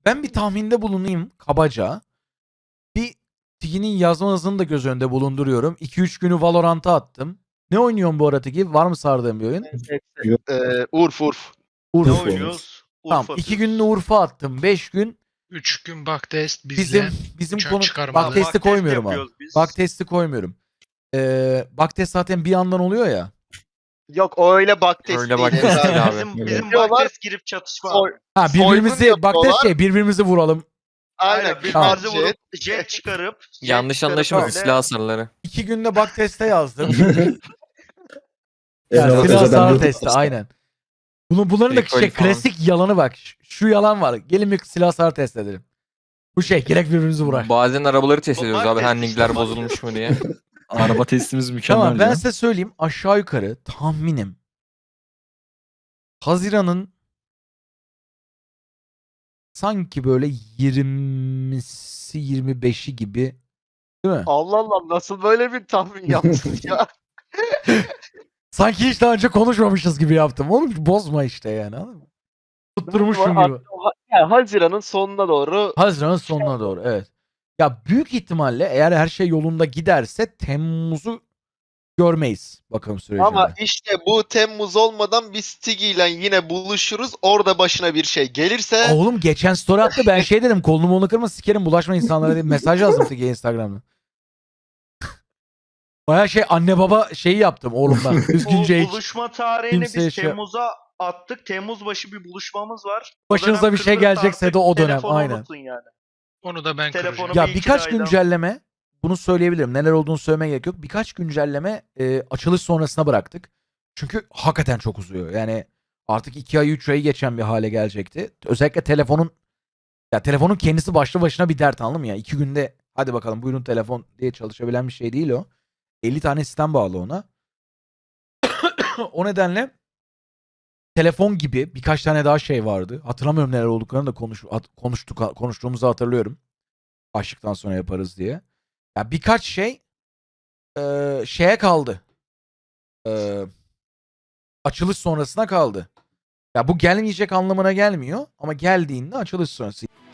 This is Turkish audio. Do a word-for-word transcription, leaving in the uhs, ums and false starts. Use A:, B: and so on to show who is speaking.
A: Ben bir tahminde bulunayım kabaca. Bir Tigi'nin yazma hızını da göz önünde bulunduruyorum. iki üç günü Valorant'a attım. Ne oynuyorsun bu arada Tigi? Var mı sardığın bir oyun?
B: Ee, Urf Urf.
A: Urf.
C: Ne oynuyoruz?
A: Tamam.
C: Urfa
A: iki
C: atıyoruz.
A: gününü Urf'a attım. beş gün
D: üç gün bak test bizle.
A: bizim bizim
D: uçak
A: konu
D: çıkarmalı.
A: bak testi
C: Bak test
A: koymuyorum abi.
C: yapıyoruz biz.
A: Bak testi koymuyorum. Ee, bak test zaten bir yandan oluyor ya.
B: Yok o öyle bak test
E: Öyle
B: değil.
E: bak test değil abi.
C: Bizim,
E: Öyle.
C: bizim
B: Diyorlar,
C: bak girip çatışma.
B: Soy-
A: Ha
B: Soygun
A: birbirimizi bak test
B: yapıyorlar.
A: şey birbirimizi vuralım.
B: Aynen.
C: Aynen birbirimizi
A: Tamam.
C: vurup jet çıkarıp jet
E: Yanlış
C: çıkarıp
E: anlaşılmasın
C: öyle-
E: silah hasarları.
A: İki günde bak teste yazdım.
F: Evet,
A: Ya, silah
F: zaten
A: hasar
F: YouTube
A: testi aynen. Bunu, bunların da
E: Recall
A: şey,
E: falan.
A: klasik yalanı bak. Şu, şu yalan var. Gelin bir silah hasar test edelim. Bu şey gerek birbirimizi vurar.
E: Bazen arabaları test ediyoruz
C: Bak
E: abi
C: test
E: handlingler
C: işte.
E: bozulmuş mu diye.
F: Araba testimiz mükemmel
A: Tamam ben
F: ya.
A: size söyleyeyim aşağı yukarı tahminim. Haziran'ın sanki böyle yirmisi yirmi beşi gibi değil mi?
B: Allah Allah nasıl böyle bir tahmin yaptın ya?
A: Sanki hiç daha önce konuşmamışız gibi yaptım. Oğlum bozma işte yani. Anladın mı? Tutturmuşum gibi.
B: Yani Haziran'ın sonuna doğru
A: Haziran'ın sonuna doğru evet. Ya büyük ihtimalle eğer her şey yolunda giderse Temmuz'u görmeyiz bakım sürecinde.
B: ama işte bu Temmuz olmadan biz Tigi ile yine buluşuruz. Orada başına bir şey gelirse
A: Aa, oğlum geçen story attı ben şey dedim kolunu molunu kırma sikerim bulaşma insanlara diye mesaj yazdım Tigi'ye Instagram'da. Baya şey anne baba şeyi yaptım oğlumdan.
C: Bu
A: Düzgünce hiç.
C: buluşma tarihini
A: kimseye
C: biz
A: şey-
C: Temmuz'a attık. Temmuz başı bir buluşmamız var. O
A: Başınıza
C: dönem
A: bir şey
C: kırılırsa
A: gelecekse
C: artık
A: de o dönem,
C: telefonu
A: aynen.
C: unutun yani.
D: Onu da ben
C: Telefonu
D: kıracağım.
A: Ya
C: bir iki
A: birkaç
C: aydan-
A: güncelleme bunu söyleyebilirim. Neler olduğunu söylemeye gerek yok. Birkaç güncelleme e, açılış sonrasına bıraktık. Çünkü hakikaten çok uzuyor. Yani artık iki ay üç ayı geçen bir hale gelecekti. Özellikle telefonun ya telefonun kendisi başlı başına bir dert anladın mı ya? İki günde hadi bakalım buyurun telefon diye çalışabilen bir şey değil o. elli tane sistem bağlı ona. O nedenle telefon gibi birkaç tane daha şey vardı. Hatırlamıyorum neler olduklarını da konuş, at- konuştuk, konuştuğumuzu hatırlıyorum. Açlıktan sonra yaparız diye. Ya birkaç şey eee, şeye kaldı. Eee, açılış sonrasına kaldı. Ya bu gelmeyecek anlamına gelmiyor ama geldiğinde açılış sonrası.